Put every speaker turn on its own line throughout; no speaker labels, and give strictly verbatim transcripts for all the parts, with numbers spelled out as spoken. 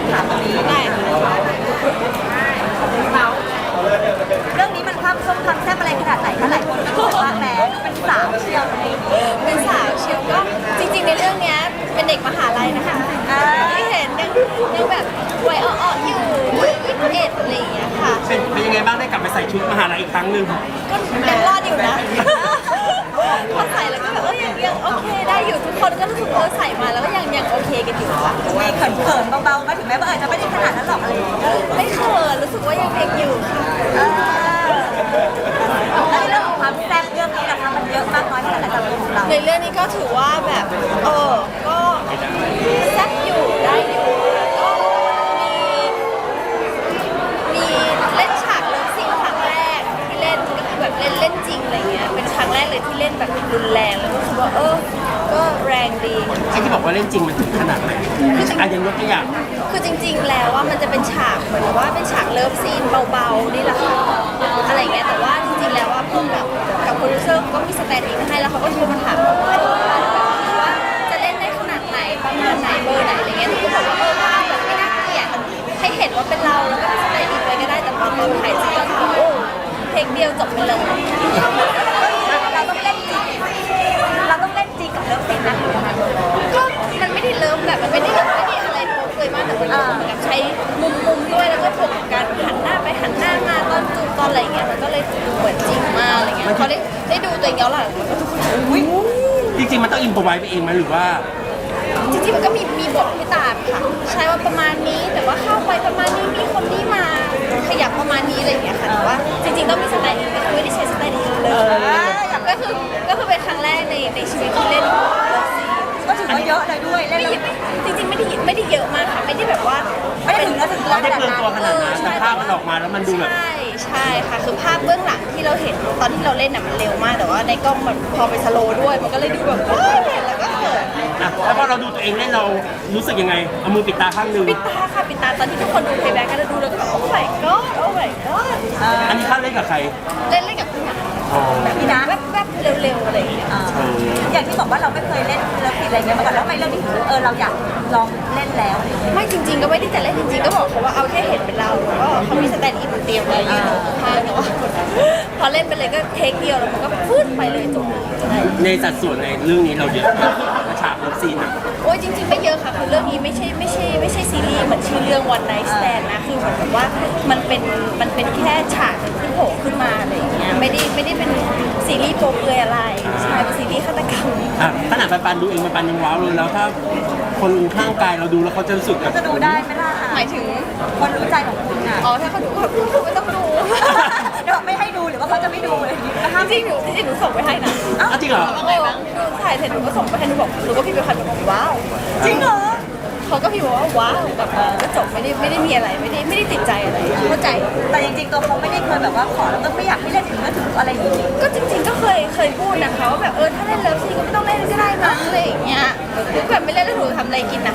ถามตรงนี้ได้เรื่องนี้มันความส้มความแซ่บอะไรขนาดไหนคะหลายคนก็บอกว่าแหมเป็นสาวเชียวอะไรอย่างเงี้ย
เป็นสาวเชียวก็จริงๆในเรื่องเนี้ยเป็นเด็กมหาลัยนะคะที่เห็นยังยังแบบวัยอ่อนๆอยู่ยี่สิบเอ็ดอะไรอย่างเงี้ยค่ะ
เป็นเป็นยังไงบ้างได้กลับไปใส่ชุดมหาลัยอีกครั้งหนึ่ง
ก็ยังรอดอยู่นะพอใส่แล้วก็แบบเออยังยังโอเคได้อยู่ทุกคนก็รู้สึกเออใส่มาแล้วก็ยังยังโอเคกันอยู่ค่ะ
มีเขินๆเบาๆมาถึงแม้ว่าอาจจะไม่ได้ขนาดนั้นหรอกอะไรอย่างเงี้ย
ไม่เขินรู้สึกว่ายังเด็กอยู่ค่ะ
แล้วเรื่องของความแซ่บเรื่องนี้นะคะมันเยอะมากน้อยขนาดไหนสำหรับของเรา
ในเรื่องนี้ก็ถือว่าแบบเออก็แซ่บอยู่ได้อยู่ก็มีมีเล่นฉากเลิฟซีนครั้งแรกที่เล่นก็คือแบบเล่นเล่นจริงอะไรเงี้ยเป็นครั้งแรกเลยที่เล่นแบบรุนแรงแล้วก็รู้สึกว่าเออก็แรงดี
ไอ้ที่บอกว่าเล่นจริงมันถึงขนาดไหนอ่ะยังยกตัวอย่าง
คือจริงๆ แล้วว่ามันจะเป็นฉากเหมือนว่าเป็นฉากเลิฟซีนเบาๆนี่แหละค่ะอะไรเงี้ยแต่ว่าจริงๆ แล้วว่าพวกกับกับโปรดิวเซอร์ก็มีสแตนด์อินให้แล้วเขาก็โทรมาถามว่าว่าจะเล่นได้ขนาดไหนประมาณไหนเบอร์ไหนอะไรเงี้ยที่ก็บอกว่าเออว่าแบบไม่น่าเกลียดให้เห็นว่าเป็นเราแล้วก็มีสแตนด์อินไว้ก็ได้แต่ตอนตอนถ่ายจริงก็คือโอ้เพลงเดียวจบไปเลย
เราต้องเล่นจริงเราต้องเล่นจริงกับเรื่องเพลงนั้นหรือยังไง
ก็มันไม่ได้เลิฟแบบมันไม่ได้ไม่ได้อะไรโป๊ะเลยมากแต่มันเหมือนกับใช้มุมมุมด้วยแล้วก็บวกกับการหันหน้าไปหันหน้ามาตอนจูบตอนอะไรอย่างเงี้ยมันก็เลยดูเหมือนจริงมากอะไรเงี้ยพอได้ได้ดูตัวเองย้อนหลังมันก็ทุกคนอุ้ย
จริงๆมันต้องอินพอไว้ไปเองไหมหรือว่า
จริงๆมันก็มีมีบทให้ตามค่ะใช่ว่าประมาณนี้แต่ว่าเข้าไปประมาณนี้มีคนนี้มาขยับประมาณนี้อะไรอย่างเงี้ยค่ะแต่ว่าจริงๆต้องมีสไตล์อินก็คือไม่ได้ใช้สไตล์อินเลยก็คือก็คือเป็นครั้งแรกในในชีวิตที่เล่น
ก็ถือว่าเยอะเลยด้วยเล่น
ไม่
แล้ว
จริงๆไม่ได้ไม่ได้เยอะมากค่ะไม่ได้แบบว่า
ไม่ได้ถึงแล้วถึง
ไม่ได้เปลืองตัวขนาดนั้นแต่ภาพมันออกมาแล้วมันดูแบบ
ใช่ใช่ค่ะคือภาพเบื้องหลังที่เราเห็นตอนที่เราเล่นน่ะมันเร็วมากแต่ว่าในกล้องมันพอไปสโลว์ด้วยมันก็เลยดูแบบว้าวเห็นแล้วก็เขิน
อ่ะแล้วพอเราดูตัวเองเล่นเรารู้สึกยังไงเอามือปิดตาข้างหนึ่ง
ปิดตาค่ะปิดตาตอนที่ทุกคนดูเพย์แบ็กกันดูแล้วก็โอ้ my god โอ้ my god
อันนี้ข้าเล่นกับใคร
เล่นเล่นกับพี่หนัง
อ๋อ
แบบนี้นะ
แวบๆเร็วๆอะไรอย่างเงี้ย
อย่างที่บอกว่าเราไม่เคยเล่นเลิฟซีนอะไรเงี้ยมาก่อนแล้วทำไมเรื่องนี้ถึงเออเราอยากลองเล่นแล้ว
ไม่จริงๆก็ไม่ได้จะเล่นจริงๆก็บอกเขาว่าเอาแค่เห็นเป็นเราแล้วก็เขามีสแตนด์อินเตรียมไว้ยืนอยู่ข้างๆแต่ว่าพอเล่นไปเลยก็เทคเดียวแล้วมันก็ฟื้นไปเลยจบเลย
ในสัดส่วนในเรื่องนี้เราเยอะมากฉากเลิฟซีนอะ
โอ้ยจริงๆไม่เยอะค่ะคือเรื่องนี้ไม่ใช่ไม่ใช่ไม่ใช่ซีรีส์เหมือนชื่อเรื่อง One Night Stand นะคือเหมือนกับว่ามันเป็นมันเป็นแค่ฉากหนึ่งที่โผล่ขึ้นมาอะไรอย่างเงี้ยไม่ได้ไม่ได้เป็นซีรีส์โป๊เปลือยอะไรใช่เป็นซีรีส์ฆาตกรรม
อ่ะขนาดปันปันดูเองปันปันยังว้าวเลยแล้วถ้าคนข้างกายเราดูแล้วเขาจะรู้สึกแบบ
จะดูได้ไหมล่ะ
หมายถึง
คนรู้ใจของคุณอ่ะ
อ๋อถ้าเขาดูเขาดูไม่ต้องดู
เดี๋ยวไม่ให้ดูหรือว่าเขาจะไม่ดูเลยนะคะ
จริงๆหนูจริงๆหนูส่งไปให้นะ
อ้าวจริงเหรอ
เออดูถ่ายเสร็จหนูก็ส่งไปให้หนูบอกหนูก็พิมพ์ไปคันบอกว้าว
จริงเหรอ
เขาก็พิมพ์บอกว่าว้าวแบบเออก็จบไม่ได้ไม่ได้มีอะไรไม่ได้ไม่ได้ติดใจอะไรเข้าใจ
แต่จริงๆตัวเขาไม่ได้เคยแบบว่าขอแล้วก็ไม่อยากให้เล่นถึงก็ถึงอะไรอย่างงี้
ก็จริงๆก็เคยเคยพูดนะคะว่าแบบเออถ้าเล่นเลิฟซีนก็ไม่ต้องเล่นก็ได้มั้งอะไรอย่างเงี้ยหรือแบบไม่เล่นแล้วหนูทำอะไรกินนะ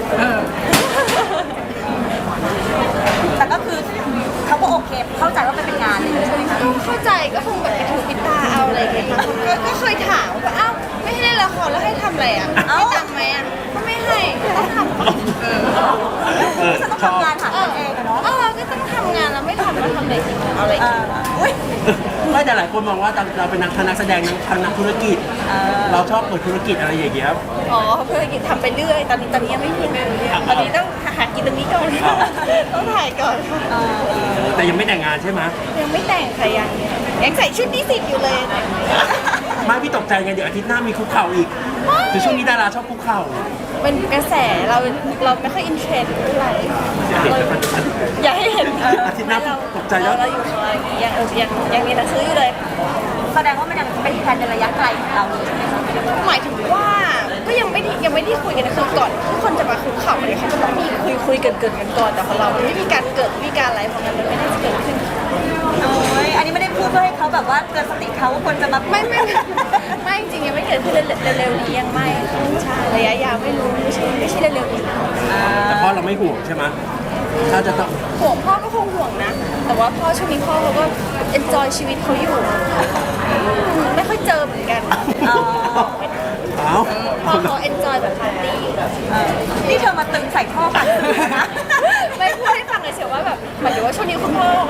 แต่ก็คือเขาก็โอเคเข้าใจว่ามันเป็นงานเลยใช่ไหมคะ
ก็เข้าใจก็คงแบบไปถือปิดตาเอาอะไรอย่างเงี้ยค่ะก็ก็เคยถามว่าอ้าวไม่ให้เล่นละครแล้วให้ทำอะไรอ่ะให้ตังค์ไหมอ่ะก็ไม่ให้ต้องทำเออ
เออ
ฉันต้อง
ชอบ
ทำงานหา
เอ
เงิ
อน
เองอะเนาะ
เออก็ต้องทำงานแล้วไม่ทำแล้วทำอะไรกินเอาอะไร
เอ
กิน
ออุ้ย
ไม่แต่หลายคนมองว่าเราเป็นนักนักแสดงทางนักธุรกิจ เราชอบเปิดธุรกิจอะไรอย่างเงี้ย
อ๋อเพื่อกินทำไปเรื่อยตอนนี้ตอนนี้ยังไม่มีตอนนี้ต้องหากินตรงนี้ก่อนต้องถ่ายก่อนค่ะ
แต่ยังไม่แต่งงานใช่ไหม
ยังไม่แต่งค่ะยังยังใส่ชุดนิสิตอยู่เลย
ไม่พี่ตกใจไงเดี๋ยวอาทิตย์หน้ามีคุกเข่าอีกคือช่วงนี้ดาราชอบคุกเข่า
เป็นกระแสเราเราไม่ค่อยอินเทรนด์เท่าไหร่อย่าให้เห็น
อาทิตย์หน้าตกใจแล้ว
เราอยู่ของเรายังยังยังมีหนังสืออยู่เลย
แสดงว่ามันยังเป็นแผนในระยะไกลของเราเลยใช่ไหมคะ
หมายถึงว่าก็ยังไม่ได้ยังไม่ได้คุยกันคือก่อนทุกคนจะมาคุกเข่าเนี่ยเขาจะต้องมีคุยคุยเกินเกินกันก่อนแต่ของเราไม่มีการเกิดไม่มีการอะไรเพราะงั้นมันไม่น่าจะเกิดขึ้น
โอ้ยอันนี้ไม่ได้พูดเพื่อให้เขาแบบว่าเตือนสติเขาว่าควรจะมา
ไม่ไม่ไม่จริงยังไม่เกิดขึ้นเร็วๆนี้ยังไม่ใช่ระยะยาวไม่รู้ไม่ใช่ไม่ใช่เร็วๆนี้
แต่พ่อเราไม่ห่วงใช่ไหมถ้าจะต้อง
ห่วงพ่อก็คงห่วงนะ แต่ว่าพ่อช่วงนี้พ่อเขาก็ enjoy ชีวิตเขาอยู่ไม่ค่อยเจอเหมือนกัน
อ๋อ
เอ้า
พ่อเขา enjoy แบบปาร์ตี้
นี่เธอมาตึงใส่ท่อปั่นนะ
ไม่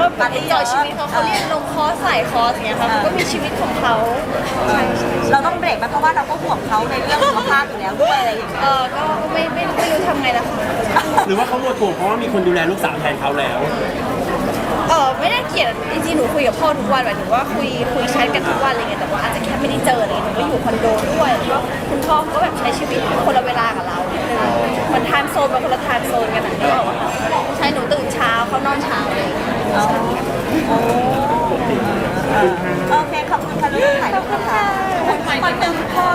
ก็แบบเอนจอยชีวิตเขาเขาเรียนลงคอร์สใส่คอร์สอย่างเงี้ยค่ะเขาก็มีชีวิตของเขาใช่ใช่
เราต้องเบรกมันเพราะว่าเราก็ห่วงเขาในเรื่องสุขภาพอยู่แล้วด้วยอะไรอย่างเงี้ย
เออก็ไม่ไม่ไม่รู้ทำไงแล้วค่ะ
หรือว่าเขาหมดห่วงเพราะว่ามีคนดูแลลูกสาวแทนเขาแล้ว
เออไม่ได้เกลียดจริงๆหนูคุยกับพ่อทุกวันหมายถึงว่าคุยคุยแชทกันทุกวันอะไรเงี้ยแต่ว่าอาจจะแค่ไม่ได้เจออะไรเงี้ยหนูก็อยู่คอนโดด้วยแล้วก็คุณพ่อเขาก็แบบใช้ชีวิตคนละเวลากับเรานิดนึงเหมือนไทม์โซนเป็นคนละไทม์โซนกันนะที่บอกว่าใช่หนูตื่นเช้าเขานอนเช้าอะไรอย่างเลย
โอเค ขอบคุณค่ะลูกถ่ายรูปค่ะคนหนึ่งพ่อ